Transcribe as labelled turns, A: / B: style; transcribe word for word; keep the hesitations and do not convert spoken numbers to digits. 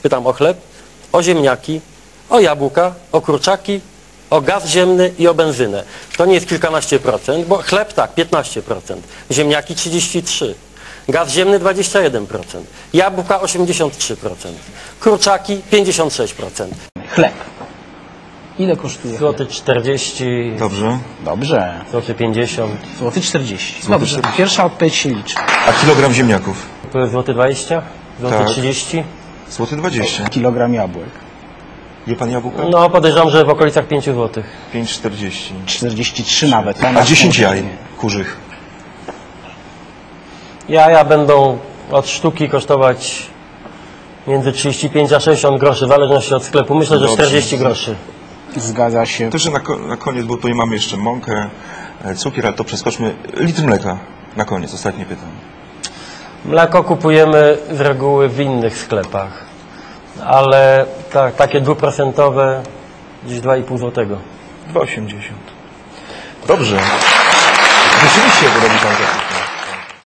A: Pytam o chleb, o ziemniaki, o jabłka, o kurczaki, o gaz ziemny i o benzynę. To nie jest kilkanaście procent, bo chleb tak, piętnaście procent, ziemniaki trzydzieści trzy procent, gaz ziemny dwadzieścia jeden procent, jabłka osiemdziesiąt trzy procent, kurczaki pięćdziesiąt sześć procent.
B: Chleb. Ile kosztuje
A: Złoty czterdzieści.
C: Dobrze.
B: Dobrze.
A: Złoty pięćdziesiąt.
B: Złoty czterdzieści. Dobrze. Pierwsza odpowiedź się liczy.
C: A kilogram ziemniaków?
A: Złoty dwadzieścia. Złoty
C: Tak.
A: trzydzieści.
C: Złoty dwadzieścia.
B: Kilogram jabłek.
C: Je pan jabłka?
A: No podejrzewam, że w okolicach pięć złotych.
C: pięć czterdzieści.
B: czterdzieści trzy nawet.
C: A dziesięć jaj kurzych?
A: Jaja będą od sztuki kosztować między trzydzieści pięć a sześćdziesiąt groszy, w zależności od sklepu. Myślę, że
C: Dobrze.
A: czterdzieści groszy.
B: Zgadza się.
C: To, że na, ko na koniec, bo tutaj mamy jeszcze mąkę, e, cukier, ale to przeskoczmy. Litr mleka na koniec, ostatnie pytanie.
A: Mleko kupujemy z reguły w innych sklepach, ale ta, takie dwuprocentowe gdzieś dwa i pół złotego.
C: dwa osiemdziesiąt. Dobrze. Rzeczywiście, bo robi pan to.